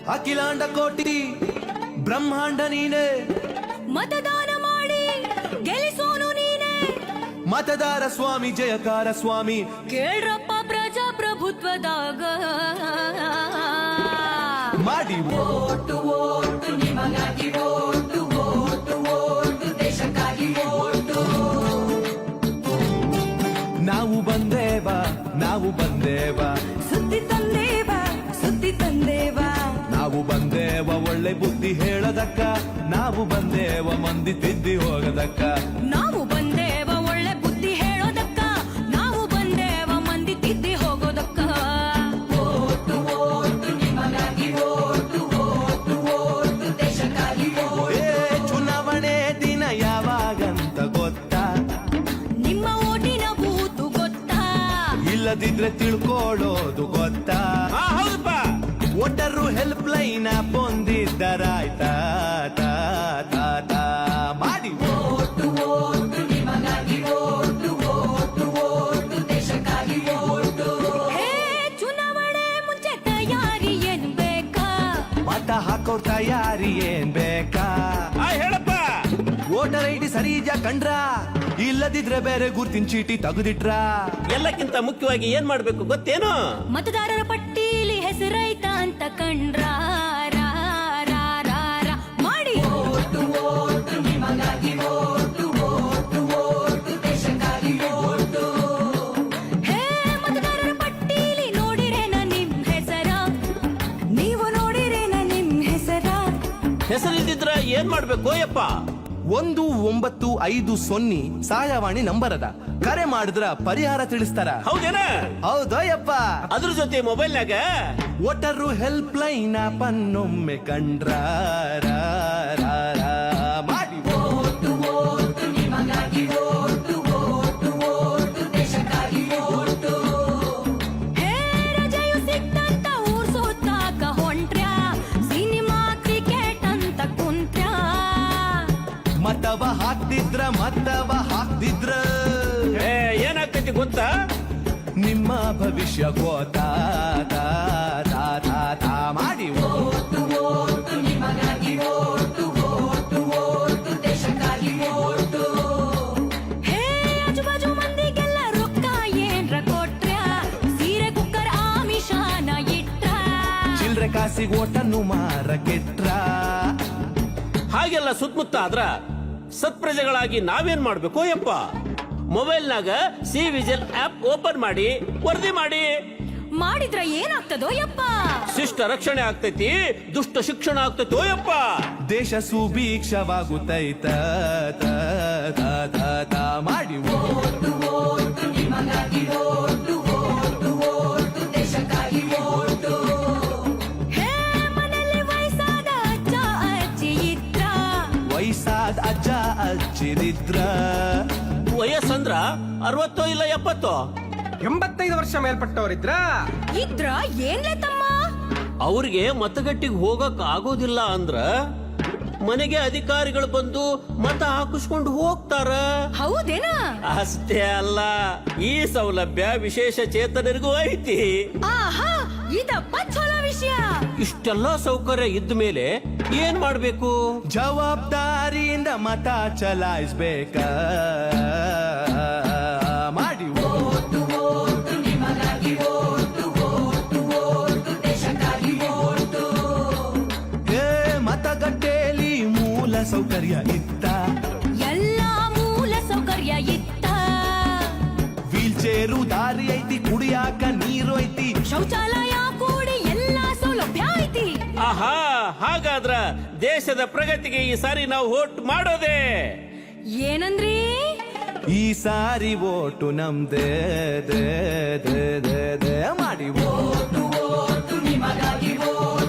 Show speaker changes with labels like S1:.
S1: ಅಖಿಲಾಂಡ ಕೋಟಿ ಬ್ರಹ್ಮಾಂಡ ನೀನೆ,
S2: ಮತದಾನ ಮಾಡಿ ಗೆಲ್ಲಿಸೋನು ನೀನೆ.
S1: ಮತದಾರ ಸ್ವಾಮಿ ಜಯಕಾರ ಸ್ವಾಮಿ,
S2: ಕೇಳ್ರಪ್ಪ ಪ್ರಜಾಪ್ರಭುತ್ವದಾಗ
S1: ಮಾಡಿ
S3: ಓಟು ಓಟು ನಿಮಗಾಗಿ ಓಟು ಓಟು ಓಟು ದೇಶಕ್ಕಾಗಿ ಓಟು.
S1: ನಾವು ಬಂದೇವ ನಾವು ಬಂದೇವ,
S2: ಸುದ್ದಿ ತಂದೇವ ಸುದ್ದಿ ತಂದೇವ.
S1: ನಾವು ಬಂದೇವ ಒಳ್ಳೆ ಬುದ್ಧಿ ಹೇಳದಕ್ಕ, ನಾವು ಬಂದೇವ ಮಂದಿ ತಿದ್ದಿ ಹೋಗದಕ್ಕ.
S2: ನಾವು ಬಂದೇವ ಒಳ್ಳೆ ಬುದ್ಧಿ ಹೇಳೋದಕ್ಕ, ನಾವು ಬಂದೇವ ಮಂದಿ ತಿದ್ದಿ ಹೋಗೋದಕ್ಕ.
S3: ಓಟು ಓಟು ನಿಮಗಾಗಿ ಓಟು ಓಟು ಓಟು ದೇಶಕ್ಕಾಗಿ ಓಟು.
S1: ಚುನಾವಣೆ ದಿನ ಯಾವಾಗಂತ ಗೊತ್ತಾ?
S2: ನಿಮ್ಮ ಓಟಿನ ಬೂತು ಗೊತ್ತಾ?
S1: ಇಲ್ಲದಿದ್ರೆ ತಿಳ್ಕೊಳ್ಳೋದು ಗೊತ್ತಾ?
S4: ಹೌದಪ್ಪ.
S1: ಒಟ್ಟರು ಹೆಲ್ಪ್ ಲೈನ್ ಬಂದಿದ್ದರಾಯ್ತಾ? ಮಾಡಿ
S3: ಓಟು ಓಟು ನಿಮಗಾಗಿ ಓಟು ಓಟು ಓಟು ದೇಶಕ್ಕಾಗಿ ಓಟು.
S2: ಹೇ ಚುನಾವಣೆ ಮುಂಚೆ ತಯಾರಿ ಏನ್ ಬೇಕಾ?
S1: ಮತ ಹಾಕೋ ತಯಾರಿ ಏನ್ ಬೇಕಾ?
S4: ಹೇಳಪ್ಪ.
S1: ವೋಟರ್ ಐಡಿ ಸರಿ ಇದ್ಯಾ ಕಂಡ್ರ? ಇಲ್ಲದಿದ್ರೆ ಬೇರೆ ಗುರ್ತಿನ ಚೀಟಿ ತೆಗೆದಿಟ್ರ?
S4: ಎಲ್ಲಕ್ಕಿಂತ ಮುಖ್ಯವಾಗಿ ಏನ್ ಮಾಡ್ಬೇಕು ಗೊತ್ತೇನು?
S2: ಮತದಾರರ ಪಟ್ಟೀಲಿ ಹೆಸರೈತ ಅಂತ ಕಂಡ್ರ ರಾ, ರಾ, ರಾ, ರಾ. ಮಾಡಿ
S3: ಓಟು ಓಟು ನಿಮಗಾಗಿ ಓಟು ಓಟು ಓಟು ದೇಶಕ್ಕಾಗಿ ಓಟು.
S2: ಹೇ ಮತದಾರರ ಪಟ್ಟೀಲಿ ನೋಡಿರೇನ ನಿಮ್ ಹೆಸರ? ನೀವು ನೋಡಿರೇನ ನಿಮ್ ಹೆಸರ?
S4: ಹೆಸರಿದ್ದಿದ್ರ ಏನ್ ಮಾಡ್ಬೇಕು ಯಪ್ಪ?
S1: 1950 ಸಹಾಯವಾಣಿ ನಂಬರ್ ಅದ, ಕರೆ ಮಾಡಿದ್ರ ಪರಿಹಾರ ತಿಳಿಸ್ತಾರ.
S4: ಹೌದೇನ?
S1: ಹೌದಯ್ಯಪ್ಪ.
S4: ಅದ್ರ ಜೊತೆ ಮೊಬೈಲ್ನಾಗ
S1: ಒಟ್ಟರು ಹೆಲ್ಪ್ ಲೈನ್ ಪನ್ನೊಮ್ಮೆ ಕಂಡ್ರ ರಾ, ರಾ, ರಾ. ಮಾಡಿ
S3: ಓಟು ಓಟು ನಿಮಗಾಗಿ ಓಟು ಓಟು ಓಟು ದೇಶಕ್ಕಾಗಿ ಓಟು.
S2: ಹೇ ರಜೆಯು ಸಿಕ್ತಂತ ಊರ್ ಸುತ್ತಾಕ ಹೊಂಟ್ರ್ಯಾ? ಸಿನಿಮಾ ಕ್ರಿಕೆಟ್ ಅಂತ ಕುಂತ್ರ್ಯಾ?
S1: ಮತವ ಹಾಕ್ತಿದ್ರ
S4: ಏನಾಗ್ತೈತಿ ಗೊತ್ತಾ?
S1: ನಿಮ್ಮ ಭವಿಷ್ಯ ಗೋತಾ ಮಾಡಿ
S3: ಓಟು ಓಟು ನಿಮಗಾಗಿ ಓಟು ಓಟು ಓಟು ದೇಶಕ್ಕಾಗಿ ಓಟು.
S2: ಹೇ ಆಜುಬಾಜು ಮಂದಿಗೆಲ್ಲ ರೊಕ್ಕ ಏನ್ರ ಕೊಟ್ರ್ಯಾ? ಸೀರೆ ಕುಕ್ಕರ್ ಆಮಿಷಾನ ಇಟ್ರ?
S1: ಚಿಲ್ರೆ ಕಾಸಿಗೆ ಓಟನ್ನು ಮಾರಕೆಟ್ರ?
S4: ಹಾಗೆಲ್ಲ ಸುತ್ತಮುತ್ತ ಆದ್ರ ಸತ್ಪ್ರಜೆಗಳಾಗಿ ನಾವೇನ್ ಮಾಡ್ಬೇಕು ಯಪ್ಪ? ಮೊಬೈಲ್ನಾಗ ಸಿ ವಿಜಿಲ್ ಆಪ್ ಓಪನ್ ಮಾಡಿ ವರದಿ ಮಾಡಿ.
S2: ಮಾಡಿದ್ರ ಏನಾಗ್ತದೋ ಯಪ್ಪ?
S4: ಶಿಷ್ಟ ರಕ್ಷಣೆ ಆಗ್ತೈತಿ, ದುಷ್ಟ ಶಿಕ್ಷಣ ಆಗ್ತೈತೋ ಯಪ್ಪ.
S1: ದೇಶ ಸುಭೀಕ್ಷವಾಗುತ್ತೈತ ಮಾಡಿ
S3: ಓಟು ಓಟು ನಿಮಗಾಗಿ ಓಟು ಓಟು ಓಟು ದೇಶಕ್ಕಾಗಿ ಓಟು.
S2: ಹೇ ಮನೆಯಲ್ಲಿ ವಯಸ್ಸಾದ ಅಜ್ಜ ಅಜ್ಜಿ ಇದ್ರ?
S1: ವಯಸ್ಸಾದ ಅಜ್ಜ ಅಜ್ಜಿರಿದ್ರ?
S4: ವಯಸ್ಸಂದ್ರ 60 ಇಲ್ಲ 70?
S5: 85 ವರ್ಷ ಮೇಲ್ಪಟ್ಟವರಿದ್ರ?
S2: ಇದ್ರ ಏನ್ಲೆ ತಮ್ಮ?
S4: ಅವ್ರಿಗೆ ಮತಗಟ್ಟಿಗೆ ಹೋಗಕ್ ಆಗೋದಿಲ್ಲ ಅಂದ್ರ ಮನೆಗೆ ಅಧಿಕಾರಿಗಳು ಬಂದು ಮತ ಹಾಕಿಸ್ಕೊಂಡು ಹೋಗ್ತಾರ.
S2: ಹೌದೇನ?
S4: ಅಷ್ಟೇ ಅಲ್ಲ, ಈ ಸೌಲಭ್ಯ ವಿಶೇಷ ಚೇತನರಿಗೂ ಐತಿ.
S2: ಆಹಾ, ಇದಪ್ಪ ಚಲೋ ವಿಷಯ.
S4: ಇಷ್ಟೆಲ್ಲ ಸೌಕರ್ಯ ಇದ್ದ ಮೇಲೆ ಏನ್ ಮಾಡ್ಬೇಕು?
S1: ಜವಾಬ್ದಾರಿಯಿಂದ ಮತ ಚಲಾಯಿಸ್ಬೇಕ ಮಾಡಿ
S3: ಓಟು ಓಟು ನಿಮಗಾಗಿ ಓಟು ಓಟು ಓಟು ದೇಶಕ್ಕಾಗಿ ಓಟು.
S1: ಮತಗಟ್ಟೆಯಲ್ಲಿ ಮೂಲ ಸೌಕರ್ಯ ಇತ್ತ?
S2: ಎಲ್ಲಾ ಮೂಲ ಸೌಕರ್ಯ ಇತ್ತ?
S1: ವೀಲ್ ಚೇರು ದಾರಿ ಐತಿ, ಕುಡಿಯಾಕ ನೀರು ಐತಿ,
S2: ಶೌಚಾಲಯ ಕೂಡಿ ಎಲ್ಲಾ ಸೌಲಭ್ಯ ಐತಿ.
S4: ಆಹಾ, ಹಾಗಾದ್ರ ದೇಶದ ಪ್ರಗತಿಗೆ ಈ ಸಾರಿ ನಾವು ವೋಟ್ ಮಾಡೋದೇ.
S2: ಏನಂದ್ರಿ?
S1: ಈ ಸಾರಿ ಓಟು ನಮ್ದೇ ದೇ ದೇ ದೇ ದೇ ಮಾಡಿ
S3: ಓಟು ಓಟು ನಿಮಗಾಗಿ ಓಟು